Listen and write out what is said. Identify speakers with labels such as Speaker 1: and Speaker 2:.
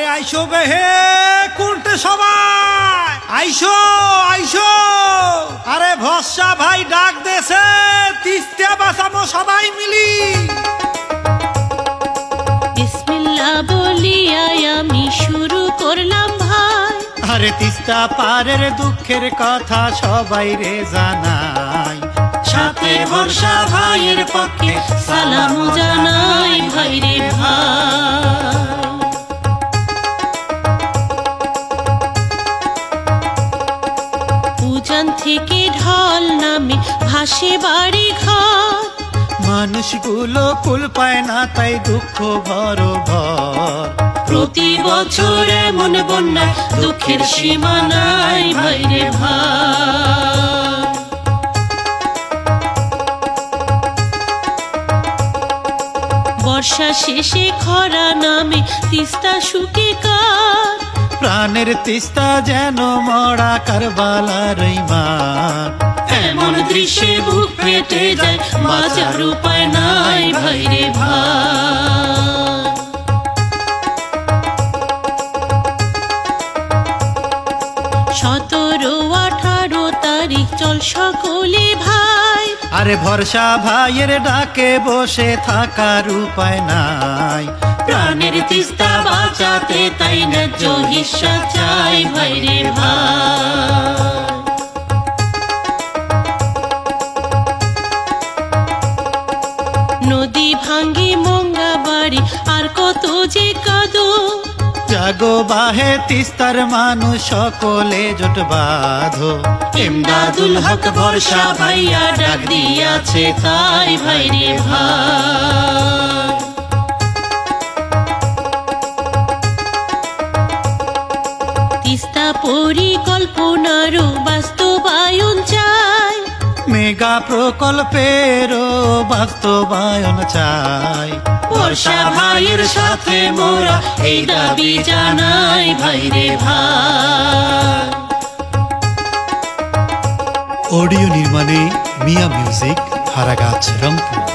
Speaker 1: আইসো বেহে কোনটে সবাই আইসো আইসো। আরে ভরসা ভাই ডাক দেছে তিস্তা বাঁচাবো সবাই মিলি।
Speaker 2: বিসমিল্লাহ বলিয়াই আমি শুরু করলাম ভাই।
Speaker 1: আরে তিস্তা পারের দুঃখের কথা সবাই রে জানাই, সাথে ভরসা ভাইয়ের পক্ষে
Speaker 2: সালাম জানাই ভাই রে ভাই। উজান থেকে ঢল নামে ভাসে বাড়ি ঘর,
Speaker 1: মানুষগুলো কুল পায় না তাই দুঃখ ভর ভর।
Speaker 2: প্রতি বছর এমন বন্যায় দুঃখের সীমা নাই ভাই রে ভাই। বর্ষা শেষে খরা নামে তিস্তা শুকে কার,
Speaker 1: প্রাণের তিস্তা যেন মরা কারবালার মাঠ।
Speaker 2: এমন দৃশ্যে বুক ফেটে যায় বাঁচার উপায় নাই ভাই রে ভাই। 17-18 তারিখ চল সকলে ভাই।
Speaker 1: আরে ভরসা ভাইয়ের ডাকে বসে থাকার উপায় নাই,
Speaker 2: প্রাণের তিস্তা বাঁচাতে তাই ন্যায্য হিস্সা চাই ভাই রে ভাই। নদী ভাঙ্গি মঙ্গা বাড়ি আর কত যে কাদো,
Speaker 1: জাগো বাহে তিস্তার মানুষ সকলে জোট বাঁধো।
Speaker 2: ইমদাদুল হক ভরসা ভাইয়া ডাক দিয়াছে তাই ভাই রে ভাই। তিস্তা পরিকল্পনারও বাস্তবায়ন চাই,
Speaker 1: মেগা প্রকল্পেরও বাস্তবায়ন চাই।
Speaker 2: বর্ষা ভাইয়ের সাথে মোরা এই দাবি জানাই ভাই রে ভাই।
Speaker 1: অডিও নির্মাণে মিয়া মিউজিক, হারাগাছ, রংপুর।